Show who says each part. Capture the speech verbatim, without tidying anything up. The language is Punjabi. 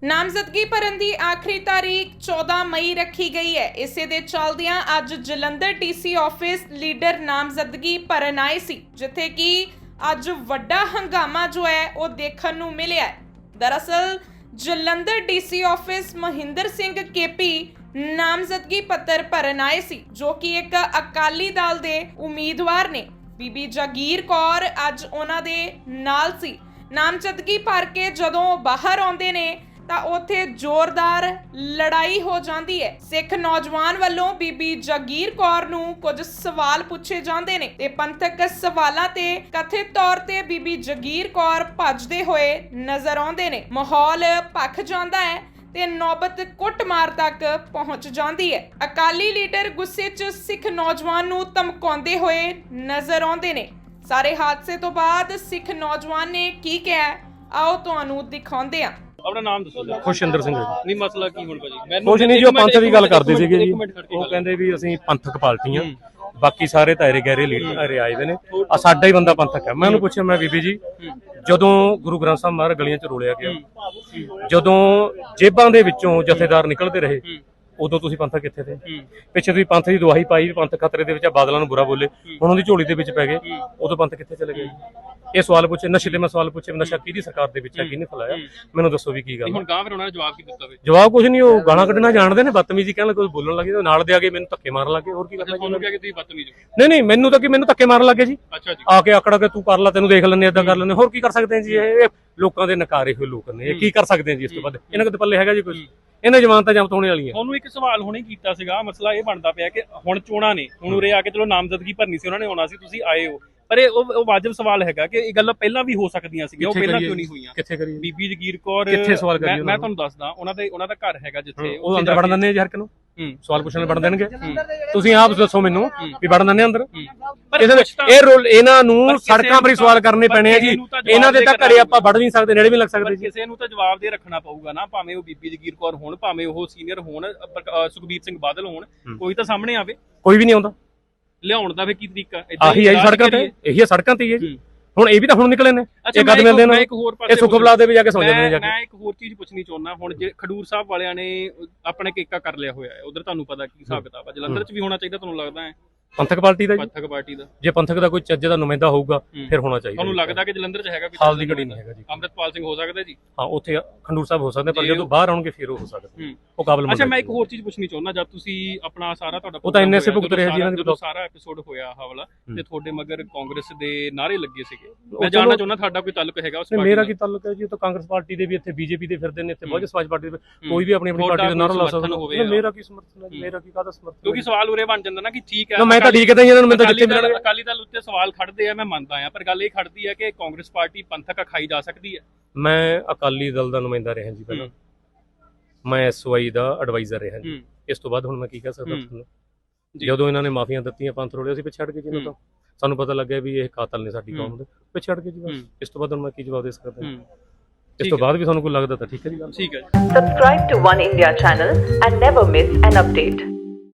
Speaker 1: ਨਾਮਜ਼ਦਗੀ ਭਰਨ ਦੀ ਆਖਰੀ ਤਾਰੀਖ ਚੌਦਾਂ ਮਈ ਰੱਖੀ ਗਈ ਹੈ। ਇਸੇ ਦੇ ਚੱਲਦਿਆਂ ਅੱਜ ਜਲੰਧਰ ਡੀਸੀ ਆਫਿਸ ਲੀਡਰ ਨਾਮਜ਼ਦਗੀ ਭਰਨ ਆਏ ਸੀ, ਜਿੱਥੇ ਕਿ ਅੱਜ ਵੱਡਾ ਹੰਗਾਮਾ ਜੋ ਹੈ ਉਹ ਦੇਖਣ ਨੂੰ ਮਿਲਿਆ ਹੈ। ਦਰਅਸਲ Jalandhar DC office Mahinder Singh KP ਨਾਮਜ਼ਦਗੀ ਪੱਤਰ ਭਰਨ ਆਏ ਸੀ, ਜੋ ਕਿ ਇੱਕ ਅਕਾਲੀ ਦਲ ਦੇ ਉਮੀਦਵਾਰ ਨੇ। ਬੀਬੀ ਜਗੀਰ ਕੌਰ ਅੱਜ ਉਹਨਾਂ ਦੇ ਨਾਲ ਸੀ। ਨਾਮਜ਼ਦਗੀ ਭਰ ਕੇ ਜਦੋਂ ਬਾਹਰ ਆਉਂਦੇ ਨੇ ਤਾਂ ਉੱਥੇ ਜ਼ੋਰਦਾਰ ਲੜਾਈ ਹੋ ਜਾਂਦੀ ਹੈ। ਸਿੱਖ ਨੌਜਵਾਨ ਵੱਲੋਂ ਬੀਬੀ ਜਗੀਰ ਕੌਰ ਨੂੰ ਕੁਝ ਸਵਾਲ ਪੁੱਛੇ ਜਾਂਦੇ ਨੇ ਤੇ ਪੰਥਕ ਸਵਾਲਾਂ ਤੇ ਕਥਿਤ ਤੌਰ ਤੇ ਬੀਬੀ ਜਗੀਰ ਕੌਰ ਭੱਜਦੇ ਹੋਏ ਨਜ਼ਰ ਆਉਂਦੇ ਨੇ। ਮਾਹੌਲ ਭਖ ਜਾਂਦਾ ਹੈ ਤੇ ਨੌਬਤ ਕੁੱਟਮਾਰ ਤੱਕ ਪਹੁੰਚ ਜਾਂਦੀ ਹੈ। ਅਕਾਲੀ ਲੀਡਰ ਗੁੱਸੇ 'ਚ ਸਿੱਖ ਨੌਜਵਾਨ ਨੂੰ ਧਮਕਾਉਂਦੇ ਹੋਏ ਨਜ਼ਰ ਆਉਂਦੇ ਨੇ। ਸਾਰੇ ਹਾਦਸੇ ਤੋਂ ਬਾਅਦ ਸਿੱਖ ਨੌਜਵਾਨ ਨੇ ਕੀ ਕਿਹਾ, ਆਓ ਤੁਹਾਨੂੰ ਦਿਖਾਉਂਦੇ ਹਾਂ।
Speaker 2: ਆਪਣਾ ਨਾਮ ਦੱਸੋ ਜੀ।
Speaker 3: ਖੁਸ਼ਿੰਦਰ ਸਿੰਘ ਜੀ।
Speaker 2: ਨਹੀਂ ਮਸਲਾ ਕੀ ਹੁਣ ਭਾਜੀ?
Speaker 3: ਮੈਨੂੰ ਕੁਝ ਨਹੀਂ, ਜੋ ਪੰਥ ਦੀ ਗੱਲ ਕਰਦੇ ਸੀਗੇ ਜੀ, ਉਹ ਕਹਿੰਦੇ ਵੀ ਅਸੀਂ ਪੰਥਕ ਪਾਰਟੀਆਂ, ਬਾਕੀ ਸਾਰੇ ਤਾਰੇ ਗਹਿਰੇ ਲੀਡਰ ਆਏ ਦੇ ਨੇ, ਆ ਸਾਡਾ ਹੀ ਬੰਦਾ ਪੰਥਕ ਹੈ। ਮੈਂ ਉਹਨੂੰ ਪੁੱਛਿਆ, ਮੈਂ ਬੀਬੀ ਜੀ, ਜਦੋਂ ਗੁਰੂ ਗ੍ਰੰਥ ਸਾਹਿਬ ਮਹਾਰਾਜ ਗਲੀਆਂ 'ਚ ਰੋਲਿਆ ਗਿਆ, ਜਦੋਂ ਜੇਬਾਂ ਦੇ ਵਿੱਚੋਂ ਜਥੇਦਾਰ ਨਿਕਲਦੇ ਰਹੇ, ਉਦੋਂ ਤੁਸੀਂ ਪੰਥਕ ਕਿੱਥੇ ਥੇ? ਪਿੱਛੇ ਤੁਸੀਂ ਪੰਥ ਦੀ ਦੁਆਹੀ ਪਾਈ, ਪੰਥ ਖਤਰੇ ਦੇ ਵਿੱਚ, ਬਾਦਲਾਂ ਨੂੰ ਬੁਰਾ ਬੋਲੇ, ਹੁਣ ਉਹਦੀ ਝੋਲੀ ਦੇ ਵਿੱਚ ਪੈ ਗਏ, ਉਦੋਂ ਪੰਥ ਕਿੱਥੇ ਚਲੇ ਗਏ? ਇਹ ਸਵਾਲ ਪੁੱਛੇ। ਨਸ਼ੇ ਦੇ ਮੈਂ ਸਵਾਲ ਪੁੱਛੇ, ਨਸ਼ਾ ਕਿਹਦੀ ਸਰਕਾਰ ਦੇ ਵਿੱਚ ਹੈ, ਕਿਹਨੇ ਫੈਲਾਇਆ? ਮੈਨੂੰ ਦੱਸੋ ਵੀ ਕੀ ਗੱਲ।
Speaker 2: ਹੁਣ ਗਾਂ ਫਿਰ ਉਹਨਾਂ ਨੇ ਜਵਾਬ ਕੀ ਦਿੱਤਾ? ਵੇ
Speaker 3: ਜਵਾਬ ਕੁਝ ਨਹੀਂ, ਉਹ ਗਾਲਾਂ ਕੱਢਣਾ ਜਾਣਦੇ ਨੇ, ਬਦਤਮੀਜ਼ੀ ਕਹਿਣ ਲੱਗੇ, ਬੋਲਣ ਲੱਗੇ, ਨਾਲ ਦੇ ਆ ਕੇ ਮੈਨੂੰ ਧੱਕੇ ਮਾਰਨ ਲੱਗੇ। ਹੋਰ ਕੀ ਕਰਨਾ
Speaker 2: ਤੁਹਾਨੂੰ ਕਿਹਾ ਕਿ ਤੁਸੀਂ ਬਦਤਮੀਜ਼ ਹੋ?
Speaker 3: ਨਹੀਂ ਨਹੀਂ, ਮੈਨੂੰ ਤਾਂ ਕਿ ਮੈਨੂੰ ਧੱਕੇ ਮਾਰਨ ਲੱਗੇ ਜੀ।
Speaker 2: ਅੱਛਾ ਜੀ।
Speaker 3: ਆ ਕੇ ਆਕੜਾ ਕੇ ਤੂੰ ਕਰ ਲੈ, ਤੈਨੂੰ ਦੇਖ ਲੈਂਦੇ, ਏਦਾਂ ਕਰ ਲੈਂਦੇ। ਹੋਰ ਕੀ ਕਰ ਸਕਦੇ ਹਾਂ ਜੀ? ਇਹ ਲੋਕਾਂ ਦੇ ਨਕਾਰੇ ਹੋਏ ਲੋਕ ਨੇ, ਇਹ ਕੀ ਕਰ ਸਕਦੇ ਹਾਂ ਜੀ? ਇਸ ਤੋਂ ਬਾਅਦ ਇਹਨਾਂ ਕੋਲ ਪੱਲੇ ਹੈਗਾ ਜੀ ਕੁਝ? ਇਹਨਾਂ ਜ਼ਮਾਨਤਾਂ ਜ਼ਬਤ ਹੋਣੇ ਵਾਲੀਆਂ।
Speaker 2: ਤੁਹਾਨੂੰ ਇੱਕ ਸਵਾਲ ਹੁਣੇ ਕੀਤਾ ਸੀਗਾ, ਮਸਲਾ ਇਹ ਬਣਦਾ ਪਿਆ ਕਿ ਹੁਣ ਚੋਣਾਂ ਨੇ, ਹੁਣ ਉਰੇ ਆ ਕੇ ਚਲੋ ਨਾਮਜ਼ਦਗੀ ਭਰਨੀ ਸੀ, ਉਹਨਾਂ ਨੇ ਆਉਣਾ ਸੀ, ਤੁਸੀਂ ਆਏ ਹੋ, ਪਰ ਇਹ ਉਹ ਵਾਜਬ ਸਵਾਲ ਹੈਗਾ ਕਿ ਇਹ ਗੱਲਾਂ ਪਹਿਲਾਂ ਵੀ ਹੋ ਸਕਦੀਆਂ ਸੀਗੀਆਂ, ਉਹ ਪਹਿਲਾਂ ਕਿਉਂ ਨਹੀਂ ਹੋਈਆਂ?
Speaker 3: ਕਿੱਥੇ ਕਰੀਏ?
Speaker 2: ਬੀਬੀ ਜਗੀਰ ਕੌਰ
Speaker 3: ਕਿੱਥੇ ਸਵਾਲ ਕਰੀਏ?
Speaker 2: ਮੈਂ ਤੁਹਾਨੂੰ ਦੱਸਦਾ, ਉਹਨਾਂ ਦੇ ਉਹਨਾਂ ਦਾ ਘਰ ਹੈਗਾ ਜਿੱਥੇ
Speaker 3: ਉਹ ਅੰਦਰ ਵੜਨ ਦਿੰਦੇ ਆ ਜੀ ਹਰ ਇੱਕ ਨੂੰ।
Speaker 2: ਹੂੰ,
Speaker 3: ਸਵਾਲ ਪੁੱਛਣ ਨੂੰ ਵੜਨ ਦੇਣਗੇ? ਤੁਸੀਂ ਆਪ ਦੱਸੋ ਮੈਨੂੰ ਵੀ ਵੜਨ ਦਿੰਦੇ ਅੰਦਰ?
Speaker 2: ਪਰ
Speaker 3: ਇਹ ਰੋਲ ਇਹਨਾਂ ਨੂੰ ਸੜਕਾਂ 'ਤੇ ਸਵਾਲ ਕਰਨੇ ਪੈਣੇ ਆ ਜੀ। ਇਹਨਾਂ ਦੇ ਤਾਂ ਘਰੇ ਆਪਾਂ ਵੜ ਨਹੀਂ ਸਕਦੇ, ਨੇੜੇ ਵੀ ਲੱਗ ਸਕਦੇ ਜੀ।
Speaker 2: ਕਿਸੇ ਨੂੰ ਤਾਂ ਜਵਾਬ ਦੇ ਰੱਖਣਾ ਪਊਗਾ ਨਾ, ਭਾਵੇਂ ਉਹ ਬੀਬੀ ਜਗੀਰ ਕੌਰ ਹੋਣ, ਭਾਵੇਂ ਉਹ ਸੀਨੀਅਰ ਹੋਣ, ਸੁਖਬੀਰ ਸਿੰਘ ਬਾਦਲ ਹੋਣ, ਕੋਈ ਤਾਂ ਸਾਹਮਣੇ ਆਵੇ।
Speaker 3: ਕੋਈ ਵੀ ਨਹੀਂ ਆਉਂਦਾ।
Speaker 2: ਲਿਆਉਣ ਦਾ ਫੇ ਕੀ ਤਰੀਕਾ?
Speaker 3: ਆਹੀ ਹੈ ਸੜਕਾਂ ਤੇ, ਇਹੀ ਸੜਕਾਂ ਤੇ ਹੀ ਹੈ ਜੀ। ਹੁਣ ਇਹ ਵੀ ਤਾਂ ਹੁਣ ਨਿਕਲੇ ਨੇ, ਇਹ ਕਦ ਮਿਲਦੇ ਨੇ, ਇਹ ਸੁਖਬਲਾ ਦੇ ਵੀ ਜਾ ਕੇ ਸੌਂ ਜਾਂਦੇ ਨੇ ਜਾ ਕੇ।
Speaker 2: ਮੈਂ ਇੱਕ ਹੋਰ ਚੀਜ਼ ਪੁੱਛਣੀ ਚਾਹੁੰਦਾ, ਹੁਣ ਜੇ ਖਡੂਰ ਸਾਹਿਬ ਵਾਲਿਆਂ ਨੇ ਆਪਣੇ ਕੇਕਾ ਕਰ ਲਿਆ ਹੋਇਆ ਹੈ, ਉਧਰ ਤੁਹਾਨੂੰ ਪਤਾ ਕੀ ਹਿਸਾਬ ਕਿਤਾਬ ਹੈ, ਜਲੰਧਰ 'ਚ ਵੀ ਹੋਣਾ ਚਾਹੀਦਾ ਤੁਹਾਨੂੰ ਲੱਗਦਾ ਹੈ?
Speaker 3: ਪੰਥਕ ਪਾਰਟੀ ਦਾ?
Speaker 2: ਪੰਥਕ ਪਾਰਟੀ ਦਾ ਜੇ
Speaker 3: ਪੰਥਕ ਦਾ ਕੋਈ ਚੱਜ ਦਾ ਨੁਮਾਇੰਦਾ ਹੋਊਗਾ ਫਿਰ ਹੋਣਾ ਚਾਹੀਦਾ।
Speaker 2: ਤੁਹਾਨੂੰ ਲੱਗਦਾ ਕਿ ਜਲੰਧਰ 'ਚ ਹੈਗਾ?
Speaker 3: ਹਾਲ ਦੀ ਘੜੀ ਨਹੀਂ ਹੈਗਾ ਜੀ।
Speaker 2: ਅੰਮ੍ਰਿਤਪਾਲ ਸਿੰਘ ਹੋ ਸਕਦਾ ਜੀ?
Speaker 3: ਹਾਂ, ਉੱਥੇ ਖੰਡੂਰ ਸਾਹਿਬ ਹੋ ਸਕਦੇ, ਪਰ ਜਦੋਂ ਬਾਹਰ ਆਉਣਗੇ ਫਿਰ ਉਹ ਹੋ ਸਕਦੇ, ਉਹ ਕਾਬਲ।
Speaker 2: ਅੱਛਾ, ਮੈਂ ਇੱਕ ਹੋਰ ਚੀਜ਼ ਪੁੱਛਣੀ ਚਾਹੁੰਦਾ, ਜਦ ਤੁਸੀਂ ਆਪਣਾ ਸਾਰਾ ਤੁਹਾਡਾ
Speaker 3: ਉਹ ਤਾਂ ਇੰਨੇ ਸੇ ਭੁਗਤ ਰਿਹਾ ਜੀ ਇਹਨਾਂ
Speaker 2: ਦੇ, ਸਾਰਾ ਐਪੀਸੋਡ ਹੋਇਆ ਆਹ ਵਾਲਾ, ਤੇ ਤੁਹਾਡੇ ਮਗਰ ਕਾਂਗਰਸ ਦੇ ਨਾਰੇ ਲੱਗੇ ਸੀਗੇ, ਮੈਂ ਜਾਣਨਾ ਚਾਹੁੰਦਾ ਤੁਹਾਡਾ ਕੋਈ ਤਾਲੁਕ ਹੈਗਾ ਉਸ ਪਾਰਟੀ?
Speaker 3: ਮੇਰਾ ਕੀ ਤਾਲੁਕ ਹੈ ਜੀ? ਉਹ ਤਾਂ ਕਾਂਗਰਸ ਪਾਰਟੀ ਦੇ ਵੀ, ਇੱਥੇ ਬੀਜੇਪੀ ਦੇ ਫਿਰਦੇ ਨੇ, ਇੱਥੇ ਬਹੁਜਨ ਸਮਾਜ ਪਾਰਟੀ ਦੇ, ਕੋਈ ਵੀ ਆਪਣੀ ਆਪਣੀ ਪਾਰਟੀ ਦਾ ਨਾਰਾ ਲਾ ਸਕਦਾ। ਮੇਰਾ ਕੀ ਸਮਰਥਨ ਹੈ? ਮੇਰਾ ਕੀ ਕਾਹਦਾ ਸਮਰਥਨ? ਕਿਉਂਕਿ
Speaker 2: ਸਵਾਲ ਉਰੇ ਬਣ ਜਾਂਦਾ ਨਾ ਕਿ ਠੀਕ ਹੈ,
Speaker 3: ਮੈਂ ਤਾਂ ਠੀਕ ਹੈ ਇਹਨਾਂ ਨੂੰ, ਮੈਂ ਤਾਂ ਜਿੱਥੇ ਮਿਲਣਗੇ।
Speaker 2: ਅਕਾਲੀ ਦਲ ਉੱਤੇ ਸਵਾਲ ਖੜਦੇ ਆ, ਮੈਂ ਮੰਨਦਾ ਆ, ਪਰ ਗੱਲ ਇਹ ਖੜਦੀ ਹੈ ਕਿ ਕਾਂਗਰਸ ਪਾਰਟੀ ਪੰਥਕ ਅਖਾਈ ਜਾ ਸਕਦੀ ਹੈ।
Speaker 3: ਮੈਂ ਅਕਾਲੀ ਦਲ ਦਾ ਨੁਮਾਇੰਦਾ ਰਿਹਾ ਜੀ ਪਹਿਲਾਂ, ਮੈਂ ਐਸਵਾਈ ਦਾ ਐਡਵਾਈਜ਼ਰ ਰਿਹਾ ਜੀ। ਇਸ ਤੋਂ ਬਾਅਦ ਹੁਣ ਮੈਂ ਕੀ ਕਹਿ ਸਕਦਾ ਤੁਹਾਨੂੰ? ਜਦੋਂ ਇਹਨਾਂ ਨੇ ਮਾਫੀਆਂ ਦਿੱਤੀਆਂ, ਪੰਥ ਰੋੜਿਆ, ਅਸੀਂ ਪਿੱਛੇ ਹਟ ਗਏ ਜੀ। ਤਾਂ ਸਾਨੂੰ ਪਤਾ ਲੱਗਿਆ ਵੀ ਇਹ ਕਾਤਲ ਨੇ ਸਾਡੀ ਕੌਮ ਦੇ, ਪਿੱਛੇ ਹਟ ਗਏ ਜੀ ਬਸ। ਇਸ ਤੋਂ ਬਾਅਦ ਹੁਣ ਮੈਂ ਕੀ ਜਵਾਬ ਦੇ ਸਕਦਾ? ਇਸ ਤੋਂ ਬਾਅਦ ਵੀ ਤੁਹਾਨੂੰ ਕੋਈ ਲੱਗਦਾ ਤਾਂ ਠੀਕ ਹੈ ਜੀ ਗੱਲ।
Speaker 2: ਠੀਕ ਹੈ।
Speaker 4: Subscribe to One India channel and never miss an update.